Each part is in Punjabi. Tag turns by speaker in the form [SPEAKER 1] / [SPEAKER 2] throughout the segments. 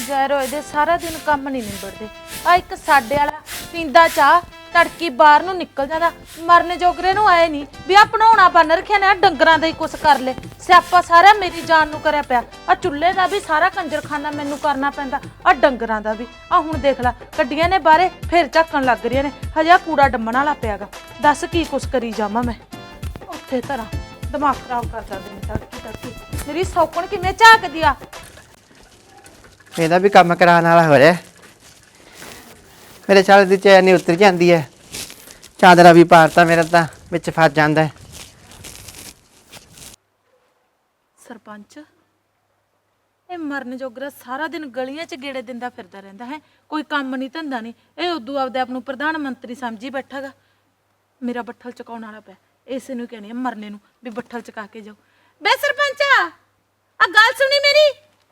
[SPEAKER 1] ਜ਼ਹਿਰੋ ਇਹਦੇ ਸਾਰਾ ਦਿਨ ਕੰਮ ਨਹੀਂ ਨਿਬੜਦੇ। ਆ ਇੱਕ ਸਾਡੇ ਵਾਲਾ ਪੀਂਦਾ ਚਾਹ ਤੜਕੀ ਬਾਹਰ ਨੂੰ ਨਿਕਲ ਜਾਂਦਾ, ਮਰਨ ਜੋਗਰੇ ਨੂੰ ਆਏ ਨਹੀਂ ਵੀ ਆ ਬਣਾਉਣਾ ਬੰਨ ਰੱਖਿਆ ਨੇ, ਡੰਗਰਾਂ ਦਾ ਹੀ ਕੁਛ ਕਰ ਲੈ। ਸਿਆਪਾ ਸਾਰਾ ਮੇਰੀ ਜਾਨ ਨੂੰ ਕਰਿਆ ਪਿਆ। ਆ ਚੁੱਲ੍ਹੇ ਦਾ ਵੀ ਸਾਰਾ ਕੰਜਰਖਾਨਾ ਮੈਨੂੰ ਕਰਨਾ ਪੈਂਦਾ, ਆ ਡੰਗਰਾਂ ਦਾ ਵੀ। ਆ ਹੁਣ ਦੇਖ ਲੈ ਕੱਢੀਆਂ ਨੇ ਬਾਹਰੇ, ਫਿਰ ਝੱਕਣ ਲੱਗ ਰਹੀਆਂ ਨੇ, ਹਜੇ ਕੂੜਾ ਡੰਮਣ ਵਾਲਾ ਪਿਆਗਾ। ਦੱਸ ਕੀ ਕੁਛ ਕਰੀ ਜਾਵਾਂ ਮੈਂ ਉੱਥੇ ਧਰਾਂ, ਦਿਮਾਗ ਖਰਾਬ ਕਰ ਦਿੰਦੇ ਨੇ ਤੜਕੀ ਤੜਕੀ। ਮੇਰੀ ਸੌਕਣ ਕਿਵੇਂ ਝਾਕਦੀ ਆ।
[SPEAKER 2] ਇਹਦਾ ਵੀ ਕੰਮ ਕਰਾਉਣ ਵਾਲਾ ਹੋ ਰਿਹਾ। ਮੇਰੇ ਸਾਲ ਦੀ ਚੈਨ ਨਹੀਂ ਉਤਰ ਜਾਂਦੀ ਹੈ, ਚਾਦਰਾ ਵੀ ਪਾਰਤਾ ਮੇਰਾ ਤਾਂ ਵਿੱਚ ਫਸ ਜਾਂਦਾ ਹੈ।
[SPEAKER 1] ਸਰਪੰਚ ਇਹ ਮਰਨ ਜੋਗਰਾ ਸਾਰਾ ਦਿਨ ਗਲੀਆਂ 'ਚ ਗੇੜੇ ਦਿੰਦਾ ਫਿਰਦਾ ਰਹਿੰਦਾ ਹੈ, ਕੋਈ ਕੰਮ ਨਹੀਂ ਧੰਦਾ ਨਹੀਂ। ਇਹ ਉਦੋਂ ਆਪਦੇ ਆਪ ਨੂੰ ਪ੍ਰਧਾਨ ਮੰਤਰੀ ਸਮਝੀ ਬੈਠਾਗਾ। ਮੇਰਾ ਬੱਠਲ ਚਕਾਉਣ ਵਾਲਾ ਪਿਆ, ਇਸੇ ਨੂੰ ਕਹਿਣੀ ਆ ਮਰਨੇ ਨੂੰ ਵੀ ਬੱਠਲ ਚਕਾ ਕੇ ਜਾਓ। ਬੇ ਸਰਪੰਚ ਆ ਗੱਲ ਸੁਣੀ ਮੇਰੀ।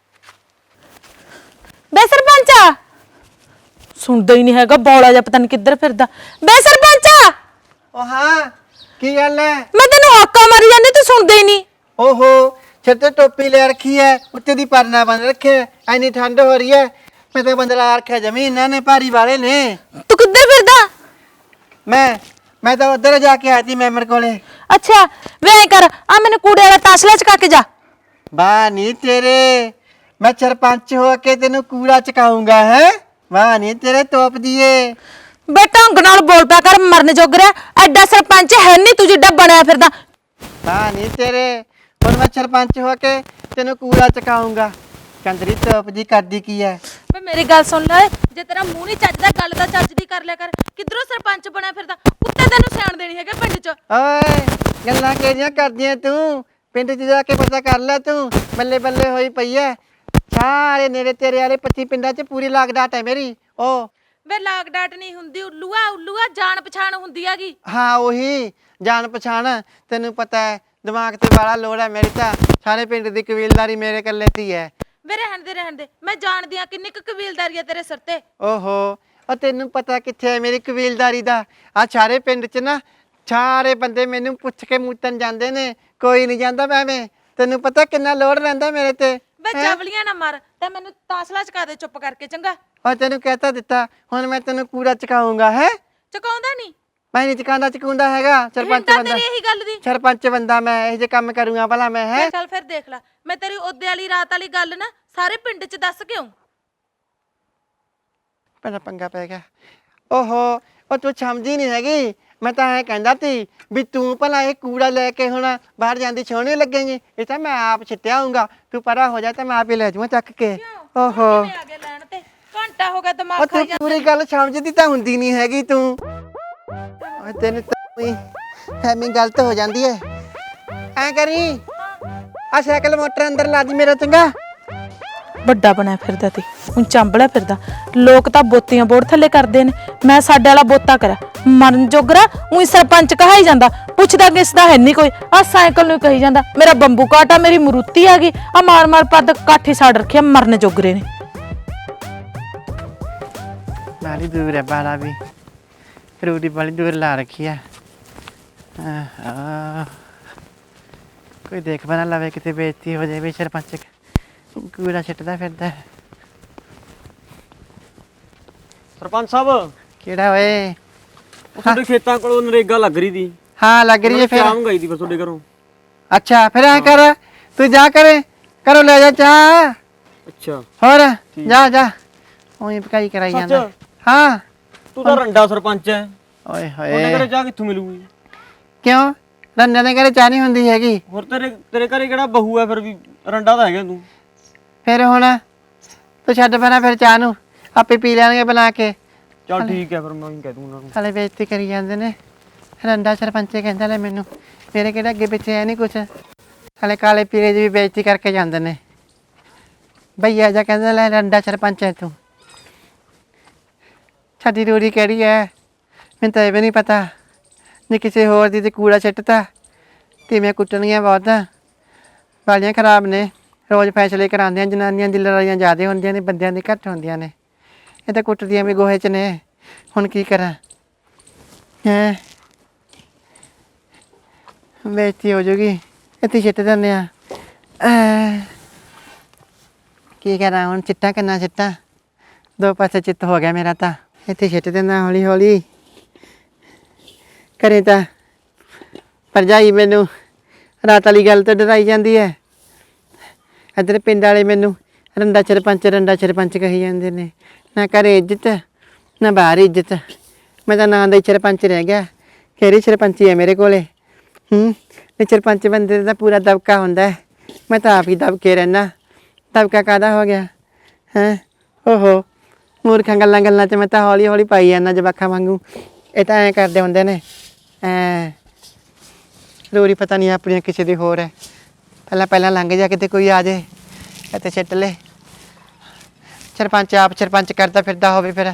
[SPEAKER 1] ਬੇ ਸਰਪੰਚ ਸੁਣਦਾ ਹੀ ਨਹੀਂ ਹੈਗਾ, ਬੌਲਾ ਜਿਹਾ ਪਤਾ ਨਹੀਂ ਕਿੱਧਰ ਫਿਰਦਾ। ਬੇ ਸਰਪੰਚ
[SPEAKER 2] ਓ ਹਾਂ ਕੀ ਗੱਲ ਹੈ?
[SPEAKER 1] ਮੈਂ ਤੈਨੂੰ ਹਾਕਾ ਮਾਰੀ ਜਾਂਦੀ, ਤੂੰ ਸੁਣਦਾ ਹੀ ਨਹੀਂ।
[SPEAKER 2] ਓਹੋ ਸਿਰ ਤੇ ਟੋਪੀ ਲੈ ਰੱਖੀ ਹੈ, ਉੱਤੇ ਦੀ ਪਰਨਾ ਬੰਨ ਰੱਖਿਆ, ਐਨੀ ਠੰਡ ਹੋ ਰਹੀ ਹੈ। ਮੈਂ ਤਾਂ ਬੰਦਲਾ ਰੱਖਿਆ ਜਮੀ, ਇਹਨਾਂ ਨੇ ਭਾਰੀ ਵਾਲੇ ਨੇ।
[SPEAKER 1] ਤੂੰ ਕਿੱਧਰ ਫਿਰਦਾ?
[SPEAKER 2] ਮੈਂ ਤਾਂ ਉੱਧਰ ਜਾ ਕੇ ਆਈ ਸੀ ਮੈਂਬਰ ਕੋਲੇ।
[SPEAKER 1] ਅੱਛਾ ਵੇ ਐਂ ਕਰ, ਆ ਮੈਨੂੰ ਕੂੜੇ ਵਾਲਾ ਤਾਸਲਾ ਚਕਾ ਕੇ ਜਾ।
[SPEAKER 2] ਵਾਹ ਨੀ ਤੇਰੇ, ਮੈਂ ਸਰਪੰਚ ਹੋ ਕੇ ਤੈਨੂੰ ਕੂੜਾ ਚਕਾਉਂਗਾ ਹੈ। ਵਾਹ ਨੀ ਤੇਰੇ ਤੋਪ ਦੀਏ।
[SPEAKER 1] ਬੇ ਢੰਗ ਨਾਲ ਬੋਲ ਪਿਆ ਕਰ, ਮਰਨ ਜੋਗਰਿਆ ਐਡਾ ਸਰਪੰਚ ਹੈ ਨਹੀਂ ਤੂੰ ਜਿੱਡਾ ਬਣਿਆ ਫਿਰਦਾ।
[SPEAKER 2] ਵਾਹ ਨੀ ਤੇਰੇ, ਹੁਣ ਮੈਂ ਸਰਪੰਚ ਹੋ ਕੇ ਤੈਨੂੰ ਕੂੜਾ ਚਕਾਉਂਗਾ। ਚੰਦਰੀ ਤੋਪ ਦੀ ਕਰਦੀ ਕੀ ਹੈ?
[SPEAKER 1] ਵੇ ਮੇਰੀ ਗੱਲ ਸੁਣ ਲੈ, ਜੇ ਤੇਰਾ ਮੂੰਹ ਨਹੀਂ ਚੱਜਦਾ ਗੱਲ ਤਾਂ ਚੱਜ ਦੀ ਕਰ ਲਿਆ ਕਰ। ਕਿੱਧਰੋਂ ਸਰਪੰਚ ਬਣਿਆ ਫਿਰਦਾ, ਕੁੱਤੇ ਤੈਨੂੰ ਸਿਆਣ ਦੇਣੀ ਹੈਗੇ ਪਿੰਡ 'ਚ।
[SPEAKER 2] ਓਏ ਗੱਲਾਂ ਕਿਹੜੀਆਂ ਕਰਦੀਆਂ ਤੂੰ? ਪਿੰਡ 'ਚ ਜਾ ਕੇ ਪਤਾ ਕਰ ਲੈ ਤੂੰ। ਬੱਲੇ ਬੱਲੇ ਹੋਈ ਪਈ ਐ ਸਾਰੇ ਨੇੜੇ ਤੇਰੇ ਵਾਲੇ 25 ਪਿੰਡਾਂ 'ਚ ਪੂਰੀ ਲਾਗ ਡਾਟ ਹੈ ਮੇਰੀ। ਓ
[SPEAKER 1] ਵੇ ਲਾਗ ਡਾਟ ਨਹੀਂ ਹੁੰਦੀ, ਉੱਲੂਆ ਜਾਣ ਪਛਾਣ ਹੁੰਦੀ ਹੈਗੀ।
[SPEAKER 2] ਹਾਂ ਉਹੀ ਜਾਣ ਪਛਾਣ, ਤੈਨੂੰ ਪਤਾ ਹੈ ਦਿਮਾਗ ਤੇ ਵਾਲਾ ਲੋੜ ਹੈ ਮੇਰੀ ਤਾਂ। ਸਾਰੇ ਪਿੰਡ ਦੀ ਕਬੀਲਦਾਰੀ ਮੇਰੇ ਇਕੱਲੇ ਦੀ ਹੈ।
[SPEAKER 1] ਵੇ ਰਹਿਣ ਦੇ, ਮੈਂ ਜਾਣਦੀ ਆ ਕਿੰਨੀ ਕੁ ਕਬੀਲਦਾਰੀ ਆ ਤੇਰੇ ਸਿਰ ਤੇ।
[SPEAKER 2] ਓਹੋ ਉਹ ਤੈਨੂੰ ਪਤਾ ਕਿੱਥੇ ਹੈ ਮੇਰੀ ਕਬੀਲਦਾਰੀ ਦਾ? ਆ ਸਾਰੇ ਪਿੰਡ 'ਚ ਨਾ ਸਾਰੇ ਬੰਦੇ ਮੈਨੂੰ ਪੁੱਛ ਕੇ ਮੂਤਨ ਜਾਂਦੇ ਨੇ, ਕੋਈ ਨਹੀਂ ਜਾਂਦਾ ਐਵੇਂ। ਤੈਨੂੰ ਪਤਾ ਕਿੰਨਾ ਲੋੜ ਰਹਿੰਦਾ ਮੇਰੇ ਤੇ।
[SPEAKER 1] ਵੇ ਚਵਲੀਆਂ ਨਾ ਮਾਰ ਤੇ ਮੈਨੂੰ ਤਾਸਲਾ ਚਕਾ ਦੇ ਚੁੱਪ ਕਰਕੇ, ਚੰਗਾ?
[SPEAKER 2] ਉਹ ਤੈਨੂੰ ਕਹਿਤਾ ਦਿੱਤਾ, ਹੁਣ ਮੈਂ ਤੈਨੂੰ ਕੂੜਾ ਚਕਾਉਂਗਾ ਹੈ।
[SPEAKER 1] ਚਕਾਉਂਦਾ ਨਹੀਂ?
[SPEAKER 2] ਮੈਂ ਨਹੀਂ ਚਕਾਉਂਦਾ ਹੈਗਾ। ਸਰਪੰਚ ਬੰਦਾ,
[SPEAKER 1] ਤੇਰੀ ਇਹੀ ਗੱਲ ਦੀ
[SPEAKER 2] ਸਰਪੰਚ ਬੰਦਾ ਮੈਂ, ਇਹ ਜੇ ਕੰਮ ਕਰੂੰਗਾ ਭਲਾ ਮੈਂ ਹੈ।
[SPEAKER 1] ਚੱਲ ਫਿਰ ਦੇਖ ਲੈ, ਮੈਂ ਤੇਰੀ ਉਹਦੇ ਵਾਲੀ ਰਾਤ ਵਾਲੀ ਗੱਲ ਨਾ ਸਾਰੇ ਪਿੰਡ 'ਚ ਦੱਸ ਕੇ ਆਉਂ।
[SPEAKER 2] ਪਹਿਲਾਂ ਪੰਗਾ ਪੈ ਗਿਆ। ਓਹੋ ਉਹ ਤੂੰ ਸਮਝੀ ਨਹੀਂ ਹੈਗੀ। ਮੈਂ ਤਾਂ ਐਂ ਕਹਿੰਦਾ ਸੀ ਵੀ ਤੂੰ ਭਲਾ ਇਹ ਕੂੜਾ ਲੈ ਕੇ ਹੁਣ ਬਾਹਰ ਜਾਂਦੀ ਸੋਹਣੀ ਲੱਗੇਗੀ। ਇਹ ਤਾਂ ਮੈਂ ਆਪ ਛਿੱਟਿਆ ਆਊਂਗਾ, ਤੂੰ ਪਰਾਂ ਹੋ ਜਾ ਤਾਂ ਮੈਂ ਆਪ ਹੀ ਲੈ ਜਾਵਾਂ ਚੱਕ ਕੇ। ਓਹੋ
[SPEAKER 1] ਆ ਗਿਆ ਲੈਣ ਤੇ, ਘੰਟਾ ਹੋ ਗਿਆ ਦਿਮਾਗ
[SPEAKER 2] ਉਹ
[SPEAKER 1] ਖਾਈ
[SPEAKER 2] ਤੂੰ
[SPEAKER 1] ਜਾਂਦਾ।
[SPEAKER 2] ਪੂਰੀ ਗੱਲ ਸਮਝਦੀ ਤਾਂ ਹੁੰਦੀ ਨਹੀਂ ਹੈਗੀ ਤੂੰ। ਓਏ ਤੈਨੂੰ ਤਾਂ ਐਵੇਂ ਗਲਤ ਹੋ ਜਾਂਦੀ ਹੈ। ਐਂ ਕਰੀ ਆ ਸਾਈਕਲ ਮੋਟਰ ਅੰਦਰ ਲਾ ਦੀ ਮੇਰਾ, ਚੰਗਾ?
[SPEAKER 1] ਵੱਡਾ ਬਣਿਆ ਫਿਰਦਾ ਤੇ ਹੁਣ ਚਾਂਬਲਿਆ ਫਿਰਦਾ। ਲੋਕ ਤਾਂ ਬੋਤੀਆਂ ਬੋੜ ਥੱਲੇ ਕਰਦੇ ਨੇ, ਮੈਂ ਸਾਡੇ ਵਾਲਾ ਬੋਤਾ ਕਰਾਂ। ਮਰਨ ਜੋਗਰਾ ਉਹੀ ਸਰਪੰਚ ਕਹਾਈ ਜਾਂਦਾ, ਪੁੱਛਦਾ ਕਿਸ ਦਾ ਹੈ ਨਹੀਂ ਕੋਈ। ਆ ਸਾਈਕਲ ਨੂੰ ਕਹੀ ਜਾਂਦਾ ਮੇਰਾ ਬੰਬੂ ਕਾਟਾ, ਮੇਰੀ ਮਰੂਤੀ ਆ ਗਈ। ਆ ਮਾਰ ਪੱਦ ਕਾਠੀ ਸਾੜ ਰੱਖਿਆ ਮਰਨ ਜੋਗਰੇ ਨੇ।
[SPEAKER 2] ਬਾਲੀ ਦੂਰ ਹੈ ਬਾਲਾ ਵੀ, ਰੂੜੀ ਬਾਲੀ ਦੂਰ ਲਾ ਰੱਖੀ ਹੈ। ਕੋਈ ਦੇਖ ਬਣਾ ਲਵੇ ਕਿਤੇ ਬੇਇੱਜ਼ਤੀ ਹੋ ਜਾਵੇ। ਸਰਪੰਚ ਕੂੜਾ ਛਿੱਟਦਾ ਫਿਰਦਾ।
[SPEAKER 3] ਸਰਪੰਚ ਸਾਹਿਬ
[SPEAKER 2] ਕਿਹੜਾ ਓਏ?
[SPEAKER 3] ਉਹ ਤੁਹਾਡੇ ਖੇਤਾਂ ਕੋਲੋਂ ਨਰੇਗਾ ਲੱਗ ਰਹੀ ਦੀ।
[SPEAKER 2] ਹਾਂ ਲੱਗ ਰਹੀ ਹੈ ਫਿਰ।
[SPEAKER 3] ਸ਼ਾਮ ਗਈ ਦੀ ਫਿਰ ਤੁਹਾਡੇ ਘਰੋਂ।
[SPEAKER 2] ਅੱਛਾ ਫਿਰ ਐ ਕਰ, ਤੂੰ ਜਾ ਕਰੇ ਕਰੋ ਲੈ ਜਾ ਚਾਹ।
[SPEAKER 3] ਅੱਛਾ
[SPEAKER 2] ਹੋਰ ਜਾ ਉਹੀ ਪਕਾਈ ਕਰਾਈ ਜਾਂਦਾ। ਹਾਂ
[SPEAKER 3] ਤੂੰ ਤਾਂ ਰੰਡਾ ਸਰਪੰਚ ਹੈ,
[SPEAKER 2] ਓਏ
[SPEAKER 3] ਉਹਨੇ
[SPEAKER 2] ਹੋਏ
[SPEAKER 3] ਘਰੇ ਚਾਹ ਕਿੱਥੋਂ ਮਿਲੂਗੀ?
[SPEAKER 2] ਕਿਉਂ ਰੰਨੇ ਦੇ ਘਰੇ ਚਾਹ ਨਹੀਂ ਹੁੰਦੀ ਹੈਗੀ?
[SPEAKER 3] ਹੋਰ ਤੇਰੇ ਘਰੇ ਕਿਹੜਾ ਬਹੂ ਹੈ ਫਿਰ ਵੀ? ਰੰਡਾ ਤਾਂ ਹੈਗਾ ਤੂੰ।
[SPEAKER 2] ਫਿਰ ਹੁਣ ਤੂੰ ਛੱਡ ਪੈਣਾ ਫਿਰ ਚਾਹ ਨੂੰ, ਆਪੇ ਪੀ ਲੈਣਗੇ ਬਣਾ ਕੇ।
[SPEAKER 3] ਚੱਲ ਠੀਕ ਹੈ ਫਿਰ ਮੈਂ ਹੀ ਕਹਿ ਦੂੰ ਉਹਨਾਂ ਨੂੰ।
[SPEAKER 2] ਹਲੇ ਬੇਇੱਜ਼ਤੀ ਕਰੀ ਜਾਂਦੇ ਨੇ। ਰੰਡਾ ਸਰਪੰਚ ਕਹਿੰਦਾ ਲੈ ਮੈਨੂੰ, ਮੇਰੇ ਕਿਹੜਾ ਅੱਗੇ ਪਿੱਛੇ ਹੈ ਨਹੀਂ ਕੁਛ। ਹਲੇ ਕਾਲੇ ਪੀਲੇ ਦੀ ਵੀ ਬੇਇੱਜ਼ਤੀ ਕਰਕੇ ਜਾਂਦੇ ਨੇ। ਭਈਆ ਜਾ ਕਹਿੰਦਾ ਲੈ ਰੰਡਾ ਸਰਪੰਚ ਹੈ ਤੂੰ। ਸਾਡੀ ਰੂੜੀ ਕਿਹੜੀ ਹੈ ਮੈਨੂੰ ਤਾਂ ਇਹ ਵੀ ਨਹੀਂ ਪਤਾ। ਜੇ ਕਿਸੇ ਹੋਰ ਦੀ ਤੇ ਕੂੜਾ ਸਿੱਟਤਾ ਕਿਵੇਂ ਕੁੱਟਣੀਆਂ ਬਹੁਤ ਵਾਲੀਆਂ ਖਰਾਬ ਨੇ। ਰੋਜ਼ ਫੈਸਲੇ ਕਰਾਉਂਦੀਆਂ, ਜਨਾਨੀਆਂ ਦੀ ਲੜਾਈਆਂ ਜ਼ਿਆਦਾ ਹੁੰਦੀਆਂ ਨੇ, ਬੰਦਿਆਂ ਦੀ ਘੱਟ ਹੁੰਦੀਆਂ ਨੇ। ਇਹ ਤਾਂ ਕੁੱਟਦੀਆਂ ਵੀ ਗੋਹੇ 'ਚ ਨੇ। ਹੁਣ ਕੀ ਕਰਾਂ ਹੈਂ, ਬੇਇੱਜ਼ਤੀ ਹੋ ਜੂਗੀ। ਇੱਥੇ ਛਿੱਟ ਦਿੰਦੇ ਆ। ਕੀ ਕਰਾਂ ਹੁਣ, ਚਿੱਟਾ ਕਿੰਨਾ ਚਿੱਟਾ, ਦੋ ਪਾਸੇ ਚਿੱਤ ਹੋ ਗਿਆ ਮੇਰਾ ਤਾਂ। ਇੱਥੇ ਛਿੱਟ ਦੇਣਾ ਹੌਲੀ ਹੌਲੀ। ਕਰੇ ਤਾਂ ਭਰਜਾਈ ਮੈਨੂੰ ਰਾਤ ਵਾਲੀ ਗੱਲ ਤੋਂ ਡਰਾਈ ਜਾਂਦੀ ਹੈ, ਇੱਧਰ ਪਿੰਡ ਵਾਲੇ ਮੈਨੂੰ ਰੰਡਾ ਸਰਪੰਚ ਕਹੀ ਜਾਂਦੇ ਨੇ। ਨਾ ਘਰੇ ਇੱਜ਼ਤ ਨਾ ਬਾਹਰ ਇੱਜ਼ਤ, ਮੈਂ ਤਾਂ ਨਾਂ ਦਾ ਹੀ ਸਰਪੰਚ ਰਹਿ ਗਿਆ। ਕਿਹੜੀ ਸਰਪੰਚੀ ਹੈ ਮੇਰੇ ਕੋਲੇ? ਤੇ ਸਰਪੰਚ ਬੰਦੇ ਦਾ ਪੂਰਾ ਦਬਕਾ ਹੁੰਦਾ ਹੈ, ਮੈਂ ਤਾਂ ਆਪ ਹੀ ਦਬਕੇ ਰਹਿਣਾ। ਦਬਕਾ ਕਾਹਦਾ ਹੋ ਗਿਆ ਹੈਂ? ਓਹੋ, ਮੂਰਖਾਂ ਗੱਲਾਂ 'ਚ ਮੈਂ ਤਾਂ ਹੌਲੀ ਹੌਲੀ ਪਾਈ ਜਾਂਦਾ ਜਵਾਕਾਂ ਵਾਂਗੂ। ਇਹ ਤਾਂ ਐਂ ਕਰਦੇ ਹੁੰਦੇ ਨੇ, ਐਂ ਰੋਰੀ ਪਤਾ ਨਹੀਂ ਆਪਣੀਆਂ ਕਿਸੇ ਦੀ ਹੋਰ ਹੈ। ਪਹਿਲਾਂ ਲੰਘ ਜਾ, ਕਿਤੇ ਕੋਈ ਆ ਜੇ ਇੱਥੇ ਛਿੱਟ ਲੈ। ਸਰਪੰਚ ਆਪ ਸਰਪੰਚ ਕਰਦਾ ਫਿਰਦਾ ਹੋਵੇ ਫਿਰ।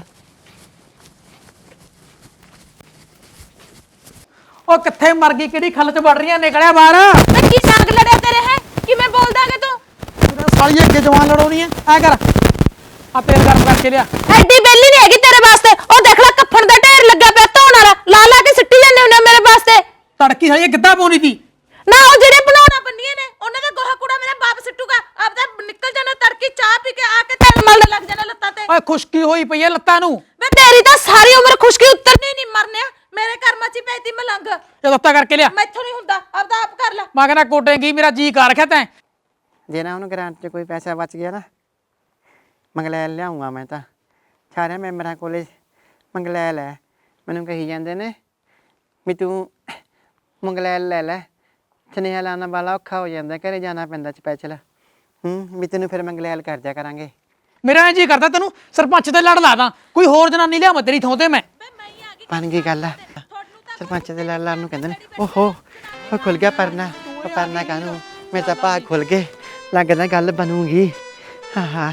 [SPEAKER 4] ਉਹ ਕਿੱਥੇ ਮਰ ਗਈ, ਕਿਹੜੀ ਖੱਲ ਚ ਵੜ ਰਹੀਆਂ, ਨਿਕਲਿਆ ਬਾਹਰ।
[SPEAKER 1] ਤੇ ਕੀ ਸਾਗ ਲੜਿਆ ਤੇਰੇ ਹੈ? ਕਿਵੇਂ ਬੋਲਦਾਗੇ ਤੂੰ?
[SPEAKER 4] ਸਾਲੀ ਅੱਗੇ ਜਵਾਨ ਲੜਾਉਣੀ ਐ, ਐ ਕਰ ਆ ਤੇਲ ਗਰਮ ਕਰਕੇ ਲਿਆ।
[SPEAKER 1] ਐਡੀ ਬੇਲੀ ਨਹੀਂ ਹੈਗੀ ਤੇਰੇ ਵਾਸਤੇ। ਉਹ ਦੇਖ ਲੈ ਕੱਫਣ ਦਾ ਢੇਰ ਲੱਗਾ ਪਿਆ ਧੋਣ ਵਾਲਾ, ਲਾ ਕੇ ਸਿੱਟੀ ਜਾਂਦੇ ਹੁੰਦੇ ਮੇਰੇ ਵਾਸਤੇ।
[SPEAKER 4] ਤੜਕੀ ਸਾਲੀ ਗਿੱਧਾ ਪਾਉਣੀ ਸੀ
[SPEAKER 1] ਨਾ, ਉਹ ਜਿਹੜੇ ਬਣਾਉਣਾ ਬੰਨੀਆਂ ਨੇ ਉਹਨਾਂ ਦਾ ਗੋਹਾ ਕੂੜਾ ਮੇਰਾ ਬਾਪ ਸਿੱਟੂਗਾ। ਆਪਦਾ ਨਿਕਲ ਜਾਣਾ ਤੜਕੀ, ਚਾਹ ਪੀ ਕੇ ਆ ਕੇ ਤੇਲ ਮਲਣ ਲੱਗ ਜਾਣਾ ਲੱਤਾਂ ਤੇ।
[SPEAKER 4] ਓਏ ਖੁਸ਼ਕੀ ਹੋਈ ਪਈ ਐ ਲੱਤਾਂ ਨੂੰ।
[SPEAKER 1] ਵੇ ਤੇਰੀ ਤਾਂ ਸਾਰੀ ਉਮਰ ਖੁਸ਼ਕੀ ਉਤਰਨੀ ਨਹੀਂ, ਮਰਨਿਆ ਮੇਰੇ ਕਰਮਾਂ 'ਚ ਪੈਤੀ ਮਲੰਗ।
[SPEAKER 4] ਇਹ ਲੱਤਾਂ ਕਰਕੇ ਲਿਆ।
[SPEAKER 1] ਮੈਥੋਂ ਨਹੀਂ ਹੁੰਦਾ, ਆਪਦਾ ਆਪ ਕਰ ਲੈ।
[SPEAKER 4] ਮੈਂ ਕਹਿੰਦਾ ਕੋਟੇਂਗੀ, ਮੇਰਾ ਜੀ ਕਰ ਰੱਖਿਆ ਤੈਂ।
[SPEAKER 2] ਜੇ ਨਾ ਉਹਨੂੰ ਗ੍ਰਾਂਟ 'ਚ ਕੋਈ ਪੈਸਾ ਬਚ ਗਿਆ ਨਾ, ਮੰਗਲੈਲ ਲਿਆਉਂਗਾ ਮੈਂ ਤਾਂ। ਸਾਰੇ ਮੈਂਬਰਾਂ ਕੋਲੇ ਮੰਗਲੈਲ ਹੈ, ਮੈਨੂੰ ਕਹੀ ਜਾਂਦੇ ਨੇ ਵੀ ਤੂੰ ਮੰਗਲੈਲ ਲੈ ਲੈ, ਸੁਨੇਹਾ ਲਾਉਣ ਵਾਲਾ ਔਖਾ ਹੋ ਜਾਂਦਾ, ਘਰੇ ਜਾਣਾ ਪੈਂਦਾ ਸਪੈਸ਼ਲ। ਵੀ ਤੈਨੂੰ ਫਿਰ ਮੰਗਲੈਲ ਕਰ ਦਿਆ ਕਰਾਂਗੇ।
[SPEAKER 4] ਮੇਰਾ ਐਂ ਜੀ ਕਰਦਾ ਤੈਨੂੰ ਸਰਪੰਚ ਤੇ ਲੜ ਲਾ ਦਾਂ, ਕੋਈ ਹੋਰ ਜਨਾਨੀ ਲਿਆਵਾਂ ਤੇਰੀ ਥਾਂ ਤੇ ਮੈਂ।
[SPEAKER 2] ਬਣ ਗਈ ਗੱਲ ਆ। ਸਰਪੰਚ ਦੇ ਲੜ ਲਾਉਣ ਨੂੰ ਕਹਿੰਦੇ ਨੇ। ਓਹੋ, ਉਹ ਖੁੱਲ ਗਿਆ ਪਰਨਾ। ਉਹ ਪਰਨਾ ਕਾਹਨੂੰ, ਮੇਰੇ ਤਾਂ ਭਾਗ ਖੁੱਲ ਗਏ, ਲੱਗਦਾ ਗੱਲ ਬਣੂਗੀ। ਹਾਂ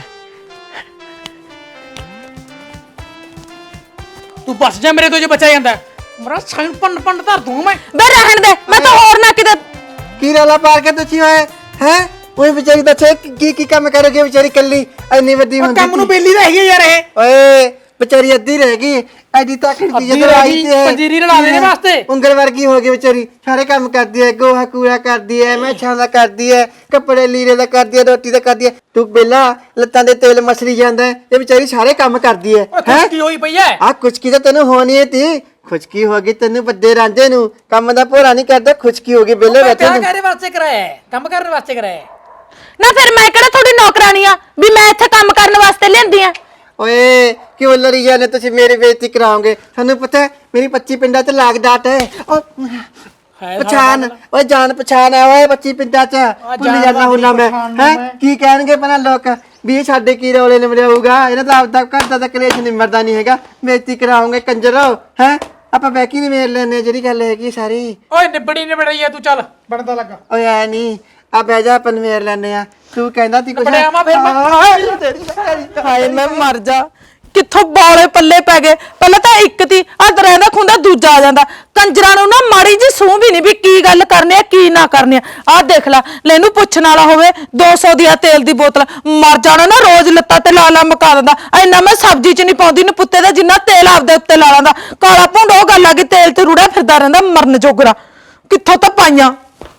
[SPEAKER 4] ਤੂੰ ਬਸ ਜਾ ਮੇਰੇ ਤੋਂ, ਜੇ ਬਚਿਆ ਜਾਂਦਾ ਮੇਰਾ ਸਾਈਨ ਪੰਡ ਧਰ ਦੂੰ ਮੈਂ।
[SPEAKER 1] ਬੇ ਰਹਿਣ ਦੇ, ਮੈਂ ਤਾਂ ਹੋਰ ਨਾ ਕਿਤੇ।
[SPEAKER 2] ਕੀ ਰੌਲਾ ਪਾ ਕੇ ਤੁਸੀਂ ਹੋਏ ਹੈ? ਉਹ ਵਿਚਾਰੀ ਦੱਸੇ ਕੀ ਕੰਮ ਕਰੋਗੇ? ਵਿਚਾਰੀ ਕੱਲੀ ਇੰਨੀ ਵੱਡੀ ਹੁੰਦੀ
[SPEAKER 4] ਕੰਮ ਨੂੰ ਬੇਲੀ ਤਾਂ ਹੈਗੀ ਯਾਰ ਇਹ।
[SPEAKER 2] ਓਏ ਵਿਚਾਰੀ ਅੱਧੀ ਰਹਿ ਗਈ, ਐਡੀ ਤੱਕ ਦੀ ਜਦੋਂ ਆਈ ਤੇ
[SPEAKER 4] ਪੰਜੀਰੀ ਰਲਾ ਦੇਣੇ ਵਾਸਤੇ
[SPEAKER 2] ਉਂਗਲ ਵਰਗੀ ਹੋ ਗਈ ਵਿਚਾਰੀ। ਸਾਰੇ ਕੰਮ ਕਰਦੀ ਹੈ, ਗੋਹਾ ਕੂੜਾ ਕਰਦੀ ਹੈ, ਮੈਛਾਂ ਦਾ ਕਰਦੀ ਹੈ, ਕੱਪੜੇ ਲੀੜੇ ਦਾ ਕਰਦੀ ਹੈ, ਰੋਟੀ ਦਾ ਕਰਦੀ ਹੈ। ਤੂੰ ਬੇਲਾ ਲੱਤਾਂ ਦੇ ਤੇਲ ਮਸਲੀ ਜਾਂਦਾ, ਇਹ ਵਿਚਾਰੀ ਸਾਰੇ ਕੰਮ ਕਰਦੀ ਹੈ।
[SPEAKER 4] ਖੁਸ਼ਕੀ ਹੋਈ ਪਈ ਐ।
[SPEAKER 2] ਆ ਖੁਸ਼ਕੀ ਤਾਂ ਤੈਨੂੰ ਹੋਣੀ ਹੈ ਤੀ, ਖੁਸ਼ਕੀ ਹੋ ਗਈ ਤੈਨੂੰ ਵੱਡੇ ਰਾਂਝੇ ਨੂੰ। ਕੰਮ ਦਾ ਭੋਰਾ ਨਹੀਂ ਕਰਦਾ, ਖੁਸ਼ਕੀ ਹੋ ਗਈ ਬੇਲੇ ਬੈਠੇ ਨੂੰ।
[SPEAKER 4] ਕੰਮ ਵਾਸਤੇ ਕਰਾਇਆ, ਕੰਮ ਕਰਨ ਵਾਸਤੇ ਕਰਾਇਆ
[SPEAKER 1] ਨਾ। ਫਿਰ ਮੈਂ ਕਿਹੜਾ ਤੁਹਾਡੀ ਨੌਕਰਾਨੀ ਆ ਵੀ ਮੈਂ ਇੱਥੇ ਕੰਮ ਕਰਨ ਵਾਸਤੇ ਲਿਆਂਦੀ ਆ?
[SPEAKER 2] ਓਏ ਕਿਉਂ ਲੜੀ ਜਾਂਦੇ ਤੁਸੀਂ? ਮੇਰੀ ਬੇਇੱਜ਼ਤੀ ਕਰਾਓਗੇ। ਤੁਹਾਨੂੰ ਪਤਾ ਹੈ ਮੇਰੀ 25 ਪਿੰਡਾਂ 'ਚ ਲਾਗ ਡਾਟ ਹੈ। ਪਛਾਣ, ਓਏ ਜਾਣ ਪਛਾਣ ਹੈ ਓਏ 25 ਪਿੰਡਾਂ 'ਚ। ਭੁੱਲ ਜਾਣਾ ਹੁੰਦਾ ਮੈਂ ਹੈ। ਕੀ ਕਹਿਣਗੇ ਪਹਿਲਾਂ ਲੋਕ ਵੀ ਇਹ ਸਾਡੇ ਕੀ ਰੌਲੇ ਨਿਮੜਾਊਗਾ? ਇਹਨਾਂ ਦਾ ਆਪਦਾ ਘਰ ਦਾ ਕਲੇਸ਼ ਨਿਮਰਦਾ ਨਹੀਂ ਹੈਗਾ। ਬੇਇੱਜ਼ਤੀ ਕਰਾਓਗੇ ਕੰਜਰੋ ਹੈ। ਆਪਾਂ ਬੈਕੀ ਨਹੀਂ ਮੇਰ ਲੈਣੇ, ਜਿਹੜੀ ਗੱਲ ਹੈਗੀ ਸਾਰੀ।
[SPEAKER 4] ਓਏ ਨਿਬੜੀ ਐ, ਤੂੰ ਚੱਲ ਬਣਦਾ ਲੱਗਾ।
[SPEAKER 2] ਓਏ ਐ ਨਹੀਂ, ਆ ਬਹਿ ਜਾ, ਆਪਾਂ ਮੇਰ ਲੈਣੇ ਆ। ਤੂੰ ਕਹਿੰਦਾ ਤੀ ਕੁਛ?
[SPEAKER 4] ਬੜਿਆ ਮੈਂ ਫਿਰ
[SPEAKER 1] ਹਾਏ ਮੈਂ ਮਰ ਜਾ, ਕਿੱਥੋਂ ਬੌਲੇ ਪੱਲੇ ਪੈ ਗਏ। ਪਹਿਲਾਂ ਤਾਂ ਇੱਕ ਤੀ ਹੱਥ ਰਹਿੰਦਾ ਖੁੰਦਾ, ਦੂਜਾ ਆ ਜਾਂਦਾ। ਕੰਜਰਾਂ ਨੂੰ ਨਾ ਮਾੜੀ ਜੀ ਸੂਹ ਵੀ ਨਹੀਂ ਵੀ ਕੀ ਗੱਲ ਕਰਨੀ ਆ ਕੀ ਨਾ ਕਰਨੀ ਆ। ਆਹ ਦੇਖ ਲੈ, ਲੈਨੂੰ ਪੁੱਛਣ ਵਾਲਾ ਹੋਵੇ 200 ਦੀ ਆ ਤੇਲ ਦੀ ਬੋਤਲ, ਮਰ ਜਾਣਾ ਨਾ। ਰੋਜ਼ ਲੱਤਾਂ ਤੇ ਲਾ ਮਕਾ ਦਿੰਦਾ। ਇੰਨਾ ਮੈਂ ਸਬਜ਼ੀ 'ਚ ਨਹੀਂ ਪਾਉਂਦੀ ਨਪੁੱਤੇ ਦਾ, ਜਿੰਨਾ ਤੇਲ ਆਪਦੇ ਉੱਤੇ ਲਾ ਲੈਂਦਾ। ਕਾਲਾ ਭੁੰਡ ਉਹ ਗੱਲ ਆ ਕਿ ਤੇਲ ਤੇ ਰੁੜਿਆ ਫਿਰਦਾ ਰਹਿੰਦਾ ਮਰਨ ਜੋਗਰਾ। ਕਿੱਥੋਂ ਤਾਂ ਪਾਈਆਂ।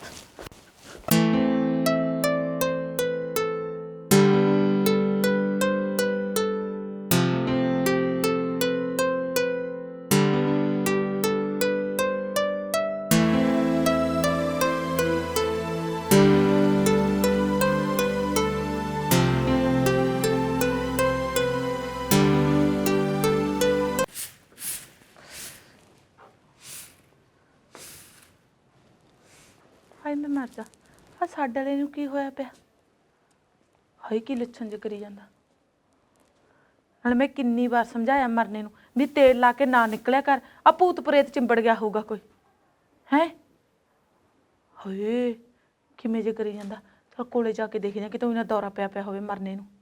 [SPEAKER 1] ਹਾਏ ਮੈਂ ਮਰ ਜਾ। ਆ ਸਾਡੇ ਵਾਲੇ ਨੂੰ ਕੀ ਹੋਇਆ ਪਿਆ? ਹਾਏ ਕੀ ਲੱਛਣ ਜਿਹਾ ਕਰੀ ਜਾਂਦਾ। ਨਾਲ ਮੈਂ ਕਿੰਨੀ ਵਾਰ ਸਮਝਾਇਆ ਮਰਨੇ ਨੂੰ ਵੀ ਤੇਲ ਲਾ ਕੇ ਨਾ ਨਿਕਲਿਆ ਕਰ, ਆ ਭੂਤ ਪ੍ਰੇਤ ਚਿੰਬੜ ਗਿਆ ਹੋਊਗਾ ਕੋਈ ਹੈ। ਹਾਏ ਕਿਵੇਂ ਜੇ ਕਰੀ ਜਾਂਦਾ। ਚਲ ਕੋਲੇ ਜਾ ਕੇ ਦੇਖਦੇ ਕਿ ਤੂੰ ਇਹਨਾਂ ਦੌਰਾ ਪਿਆ ਹੋਵੇ ਮਰਨੇ ਨੂੰ।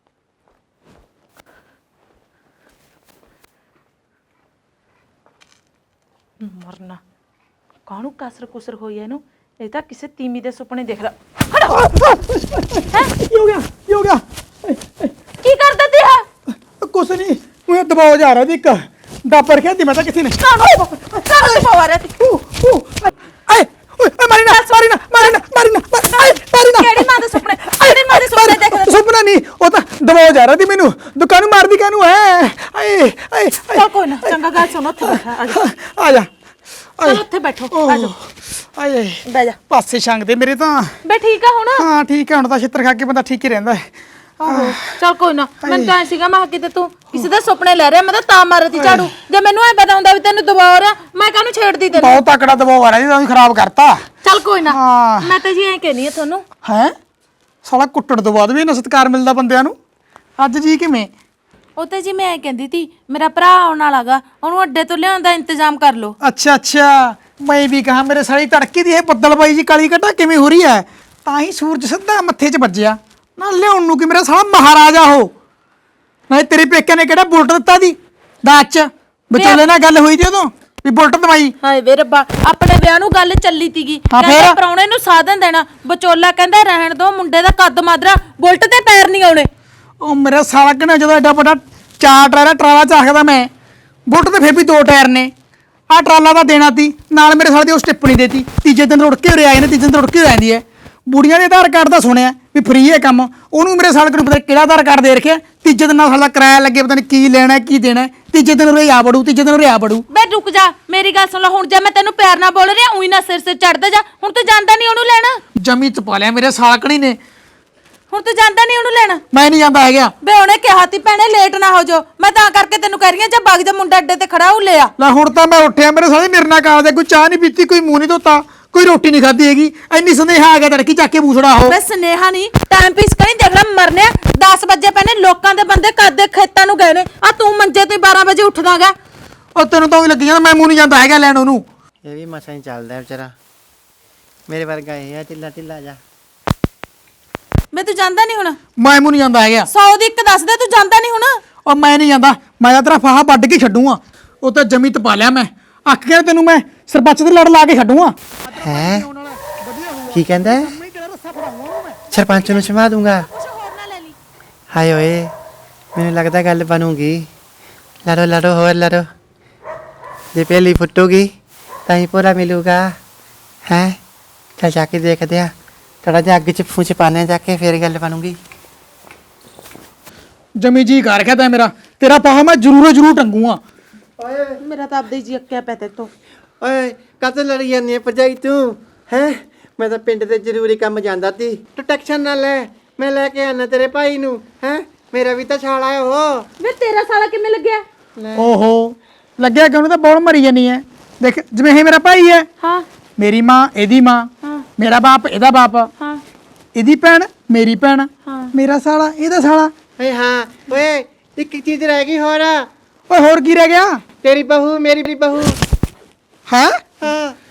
[SPEAKER 1] ਮਰਨਾ ਕਾਹਨੂੰ ਕਸਰ ਕੁਸਰ ਹੋਈ ਐ ਇਹਨੂੰ? ਇਹ ਤਾਂ ਕਿਸੇ ਤੀਮੀ ਦੇ ਸੁਪਨੇ ਦੇਖਦਾ।
[SPEAKER 4] ਕੀ ਹੋ ਗਿਆ
[SPEAKER 1] ਕੀ ਕਰਦਾ ਤੀ ਹੈ?
[SPEAKER 4] ਕੁਛ ਨਹੀਂ, ਉਹ ਦਬਾਅ ਜਾ ਰਿਹਾ ਸੀ ਇੱਕ ਡਾਪਰ ਖੇਦੀ ਮੈਂ ਤਾਂ ਕਿਸੇ ਨੇ।
[SPEAKER 1] ਕਾਹਨੂੰ ਦਬਾ ਰਿਹਾ ਤੀ?
[SPEAKER 4] ਆਏ ਓਏ ਮਾਰੀ ਨਾ
[SPEAKER 1] ਕਿਹੜੀ ਮਾਂ ਦੇ ਸੁਪਨੇ? ਕਿਹੜੀ ਮਾਂ ਦੇ ਸੁਪਨੇ ਦੇਖਦਾ?
[SPEAKER 4] ਸੁਪਨਾ ਨਹੀਂ, ਉਹ
[SPEAKER 1] ਗੱਲ ਸੁਣੋ ਉੱਥੇ ਬੈਠਾ ਆ ਜਾ
[SPEAKER 4] ਆ ਜਾ
[SPEAKER 1] ਚਲ ਉੱਥੇ ਬੈਠੋ ਆ ਜਾ
[SPEAKER 4] ਆਏ
[SPEAKER 1] ਬਹਿ ਜਾ
[SPEAKER 4] ਪਾਸੇ ਛੰਗ ਦੇ ਮੇਰੇ ਤਾਂ
[SPEAKER 1] ਬੇ ਠੀਕ ਆ ਹੁਣ
[SPEAKER 4] ਹਾਂ ਠੀਕ ਹੈ ਹੁਣ ਤਾਂ ਛਿੱਤਰ ਖਾ ਕੇ ਬੰਦਾ ਠੀਕ ਹੀ ਰਹਿੰਦਾ ਹੈ
[SPEAKER 1] ਆਹੋ ਚਲ ਕੋਈ ਨਾ ਮੈਨੂੰ ਤਾਂ ਐਂ ਸੀਗਾ ਮੈਂ ਕਿਹਾ ਕਿਤੇ ਤੂੰ ਕਿਸੇ ਦੇ ਸੁਪਨੇ ਲੈ ਰਿਹਾ ਮੈਂ ਤਾਂ ਮਾਰਤੀ ਝਾੜੂ ਜੇ ਮੈਨੂੰ ਐ ਪਤਾ ਹੁੰਦਾ ਵੀ ਤੈਨੂੰ ਦਬਾ ਰਿਹਾ ਮੈਂ ਕਾਹਨੂੰ ਛੇੜਦੀ ਤੈਨੂੰ
[SPEAKER 4] ਬਹੁਤ ਤਕੜਾ ਦਬਾਅ ਆ ਰਿਹਾ ਜੀ ਤੁਸੀਂ ਖਰਾਬ ਕਰਤਾ
[SPEAKER 1] ਚਲ ਕੋਈ ਨਾ
[SPEAKER 4] ਹਾਂ।
[SPEAKER 1] ਮੈਂ ਤਾਂ ਜੀ ਐਂ ਕਹਿਨੀ ਆ ਤੁਹਾਨੂੰ
[SPEAKER 4] ਹੈ ਸਾਲਾ ਕੁੱਟਣ ਤੋਂ ਬਾਅਦ ਵੀ ਇੰਨਾ ਸਤਿਕਾਰ ਮਿਲਦਾ ਬੰਦਿਆਂ ਨੂੰ ਅੱਜ ਜੀ ਕਿਵੇਂ
[SPEAKER 1] ਉਹ ਤੇ ਜੀ ਮੈਂ ਐਂ ਕਹਿੰਦੀ ਤੀ ਮੇਰਾ ਭਰਾ ਆਉਣ ਵਾਲਾਗਾ ਉਹਨੂੰ ਅੱਡੇ ਤੋਂ ਲਿਆਉਣ ਦਾ ਇੰਤਜ਼ਾਮ ਕਰ ਲਓ
[SPEAKER 4] ਅੱਛਾ ਅੱਛਾ ਮੈਂ ਵੀ ਕਹਾ ਮੇਰੇ ਸਾਲੀ ਤੜਕੇ ਦੀ ਇਹ ਬੱਦਲਬਾਈ ਜੀ ਕਾਲੀ ਘਟਾ ਕਿਵੇਂ ਹੋ ਰਹੀ ਹੈ ਤਾਂ ਹੀ ਸੂਰਜ ਸਿੱਧਾ ਮੱਥੇ 'ਚ ਵੱਜਿਆ ਨਾ ਲਿਆਉਣ ਨੂੰ ਕਿ ਮੇਰਾ ਸਾਲਾ ਮਹਾਰਾਜਾ ਹੋ ਨਾ ਤੇਰੇ ਪੇਕਿਆਂ ਨੇ ਕਿਹੜਾ ਬੁਲਟ ਦਿੱਤਾ ਦੀ ਦਾਜ 'ਚ ਵਿਚੋਲੇ ਨਾਲ ਗੱਲ ਹੋਈ ਤੇ ਉਦੋਂ ਵੀ ਬੁਲਟ ਦਵਾਈ
[SPEAKER 1] ਹਾਏ ਵੇ ਰੱਬਾ ਆਪਣੇ ਵਿਆਹ ਨੂੰ ਗੱਲ ਚੱਲੀ ਤੀਗੀ
[SPEAKER 4] ਹਾਂ
[SPEAKER 1] ਕਹਿੰਦਾ
[SPEAKER 4] ਫੇਰ?
[SPEAKER 1] ਪ੍ਰਾਹੁਣੇ ਨੂੰ ਸਾਧਨ ਦੇਣਾ ਵਿਚੋਲਾ ਕਹਿੰਦਾ ਰਹਿਣ ਦੋ ਮੁੰਡੇ ਦਾ ਕੱਦ ਮਾਦਰਾ ਬੁਲਟ ਤੇ ਪੈਰ ਨਹੀਂ ਆਉਣੇ
[SPEAKER 4] ਉਹ ਮੇਰਾ ਸਾਲਾ ਕਿਨੇ ਜਦੋਂ ਐਡਾ ਵੱਡਾ ਚਾਰ ਟਾਇਰ ਦਾ ਟਰਾਲਾ ਚਾਖਦਾ ਮੈਂ ਬੁਲਟ ਤੇ ਫੇਰ ਵੀ 2 ਟਾਇਰ ਨੇ ਆਹ ਟਰਾਲਾ ਤਾਂ ਦੇਣਾ ਤੀ ਨਾਲ ਮੇਰੇ ਸਾਲੇ ਦੀ ਉਹ ਸਟਿੱਪ ਨਹੀਂ ਦੇਤੀ ਤੀਜੇ ਦਿਨ ਰੁੜ ਕੇ ਉਰੇ ਆਏ ਨੇ ਤੀਜੇ ਦਿਨ ਰੁੜ ਕੇ ਰਹਿੰਦੀ ਹੈ ਬੁੜੀਆਂ ਦੇ ਆਧਾਰ ਕਾਰਡ ਦਾ ਸੁਣਿਆ ਵੀ ਫ੍ਰੀ ਹੈ ਕੰਮ ਉਹਨੂੰ ਮੇਰੇ ਸਾਲੇ ਨੂੰ ਪਤਾ ਕਿਹੜਾ ਆਧਾਰ ਕਾਰਡ ਦੇ ਰੱਖਿਆ ਤੀਜੇ ਦਿਨ ਨਾਲ ਸਾਲਾ ਕਿਰਾਇਆ ਲੱਗੇ ਪਤਾ ਨਹੀਂ ਕੀ ਲੈਣਾ ਕੀ ਦੇਣਾ ਤੀਜੇ ਦਿਨ ਉਰੇ ਆ ਬੜੂ ਤੀਜੇ ਦਿਨ ਉਰੇ ਆ ਬੜੂ
[SPEAKER 1] ਬੇ ਰੁਕ ਜਾ ਮੇਰੀ ਗੱਲ ਸੁਣ ਲੈ ਹੁਣ ਜੇ ਮੈਂ ਤੈਨੂੰ ਪਿਆਰ ਨਾਲ ਬੋਲ ਰਿਹਾ ਉਹੀ ਨਾ ਸਿਰ ਚੜਦਾ ਜਾ ਹੁਣ ਤੂੰ ਜਾਂਦਾ ਨਹੀਂ ਉਹਨੂੰ ਲੈਣ
[SPEAKER 4] ਜਮੀ ਚ ਪਾ ਲਿਆ ਮੇਰੇ ਸਾਲਕਣੀ ਨੇ
[SPEAKER 1] ਹੁਣ ਤੂੰ ਜਾਂਦਾ ਨਹੀਂ ਉਹਨੂੰ ਲੈਣ
[SPEAKER 4] ਮੈਂ ਨਹੀਂ ਜਾਂਦਾ ਹੈਗਾ
[SPEAKER 1] ਬੇ ਉਹਨੇ ਕਿਹਾ ਤੀ ਭੈਣੇ ਲੇਟ ਨਾ ਹੋ ਜਾ ਮੈਂ ਤਾਂ ਕਰਕੇ ਤੈਨੂੰ ਕਹਿ ਰਹੀ ਆ ਜੇ ਬਗ ਜਾ ਮੁੰਡਾ ਅੱਡੇ ਤੇ ਖੜਾ ਹੋ ਲਿਆ
[SPEAKER 4] ਲੈ ਹੁਣ ਤਾਂ ਮੈਂ ਉੱਠਿਆ ਮੇਰੇ ਸਾਲੇ ਮੇਰੇ ਨਾਲ ਕਾਲ ਦੇ ਕੋਈ ਚਾਹ ਨਹੀਂ ਪੀਤੀ ਕੋਈ ਮੂੰਹ ਨਹੀਂ ਧੋਤਾ ਕੋਈ ਰੋਟੀ ਨਹੀਂ ਖਾਧੀ ਹੈਗੀ ਇੰਨੀ ਸੰਦੇਹਾ ਆ ਗਿਆ ਤੜਕੀ ਚੱਕ ਕੇ ਬੂਸੜਾ ਹੋ
[SPEAKER 1] ਬੇ ਸਨੇਹਾ ਨਹੀਂ ਟਾਈਮ ਪੀਸ ਕਰੀ ਦੇਖ ਲੈ ਮਰਨਿਆ 10 ਵਜੇ ਪੈਣੇ ਲੋਕਾਂ ਦੇ ਬੰਦੇ ਕਰਦੇ ਖੇਤਾਂ ਨੂੰ ਗਏ ਨੇ ਆ ਤੂੰ ਮੰਜੇ ਤੋਂ 12 ਵਜੇ ਉੱਠਦਾਗਾ
[SPEAKER 4] ਉਹ ਤੈਨੂੰ ਤਾਂ ਵੀ ਲੱਗੀ ਜਾਂਦਾ ਮੈਂ ਮੂੰਹ ਨਹੀਂ ਜਾਂਦਾ ਹੈਗਾ ਲੈਣ ਉਹਨੂੰ
[SPEAKER 2] ਇਹ ਵੀ ਮਸਾਂ ਹੀ ਚੱਲਦਾ ਵਿਚਾਰਾ ਮੇਰੇ ਵਰਗਾ ਇਹ ਆ ਢਿੱਲਾ ਢਿੱਲਾ ਜਾ
[SPEAKER 1] ਬੇ ਤੂੰ ਜਾਂਦਾ ਨਹੀਂ ਹੁਣ
[SPEAKER 4] ਮੈਂ ਮੂੰਹ ਨਹੀਂ ਜਾਂਦਾ ਹੈਗਾ
[SPEAKER 1] 100 ਦੀ ਇੱਕ ਦੱਸ ਦੇ ਤੂੰ ਜਾਂਦਾ ਨਹੀਂ ਹੁਣ
[SPEAKER 4] ਉਹ ਮੈਂ ਨਹੀਂ ਜਾਂਦਾ ਮੈਂ ਤਾਂ ਤੇਰਾ ਫਾਹਾ ਵੱਢ ਕੇ ਛੱਡੂਗਾ ਉਹ ਤਾਂ ਜਮੀ ਤਪਾ ਲਿਆ ਮੈਂ ਅੱਖ ਕੇ ਤੈਨੂੰ ਮੈਂ ਸਰਪੰਚ ਦੇ ਲੜ ਲਾ ਕੇ ਛੱਡੂਗਾ
[SPEAKER 2] ਹੈ ਕੀ ਕਹਿੰਦਾ ਹੈ? ਸਰਪੰਚ ਨੂੰ ਸਮਾ ਦੂੰਗਾ ਹਾਏ ਓਏ ਮੈਨੂੰ ਲੱਗਦਾ ਗੱਲ ਬਣੂਗੀ ਲੜੋ ਲੜੋ ਹੋਰ ਲੜੋ ਜੇ ਪਹਿਲੀ ਫੁੱਟੂਗੀ ਤਾਂ ਹੀ ਪੂਰਾ ਮਿਲੂਗਾ ਹੈ ਚੱਲ ਜਾ ਕੇ ਦੇਖਦੇ ਆ ਥੋੜਾ ਜਿਹਾ ਅੱਗ ਚ ਫੂਚ ਪਾਣੇ ਜਾ ਕੇ ਫੇਰ ਗੱਲ ਬਣੂਗੀ
[SPEAKER 4] ਜਮੀ ਜੀ ਕਰ ਰੱਖਿਆ ਤਾਂ ਮੇਰਾ ਤੇਰਾ ਫਾਹਾ ਮੈਂ ਜ਼ਰੂਰ ਟੰਗੂਗਾ
[SPEAKER 2] ਓਏ
[SPEAKER 1] ਮੇਰਾ ਤਾਂ ਆਪਦੇ ਜੀ ਅੱਕਿਆ ਪਿਆ ਤੇ ਤੋਂ
[SPEAKER 2] ਓਏ ਕਾਹਤੋਂ ਲੜੀ ਜਾਂਦੀ ਹੈ ਭਰਜਾਈ ਤੂੰ ਹੈ ਮੈਂ ਤਾਂ ਪਿੰਡ ਤੇ ਜ਼ਰੂਰੀ ਕੰਮ ਜਾਂਦਾ ਸੀ ਤੂੰ ਟੈਨਸ਼ਨ ਨਾ ਲੈ ਮੈਂ ਲੈ ਕੇ ਆਣਾ ਤੇਰੇ ਭਾਈ ਨੂੰ ਹੈ ਮੇਰਾ ਵੀ ਤਾਂ ਛਾਲਾ ਹੈ ਉਹ
[SPEAKER 1] ਵੇ ਤੇਰਾ ਸਾਲਾ ਕਿਵੇਂ ਲੱਗਿਆ
[SPEAKER 4] ਓਹੋ ਲੱਗਿਆ ਕਿ ਉਹਨੂੰ ਤਾਂ ਬੋਲ ਮਰੀ ਜਾਨੀ ਹੈ ਦੇਖ ਜਿਵੇਂ ਇਹ ਮੇਰਾ ਭਾਈ ਹੈ
[SPEAKER 1] ਹਾਂ
[SPEAKER 4] ਮੇਰੀ ਮਾਂ ਇਹਦੀ ਮਾਂ ਮੇਰਾ ਬਾਪ ਇਹਦਾ ਬਾਪ
[SPEAKER 1] ਹਾਂ
[SPEAKER 4] ਇਹਦੀ ਭੈਣ ਮੇਰੀ ਭੈਣ ਮੇਰਾ ਸਾਲਾ ਇਹਦਾ ਸਾਲਾ
[SPEAKER 2] ਓਏ ਹਾਂ ਓਏ ਇੱਕ ਚੀਜ਼ ਰਹਿ ਗਈ ਹੋਰ
[SPEAKER 4] ਓਏ ਹੋਰ ਕੀ ਰਹਿ ਗਿਆ
[SPEAKER 2] ਤੇਰੀ ਬਹੂ ਮੇਰੀ ਬਹੂ
[SPEAKER 4] ਹੈ
[SPEAKER 2] ਹਾਂ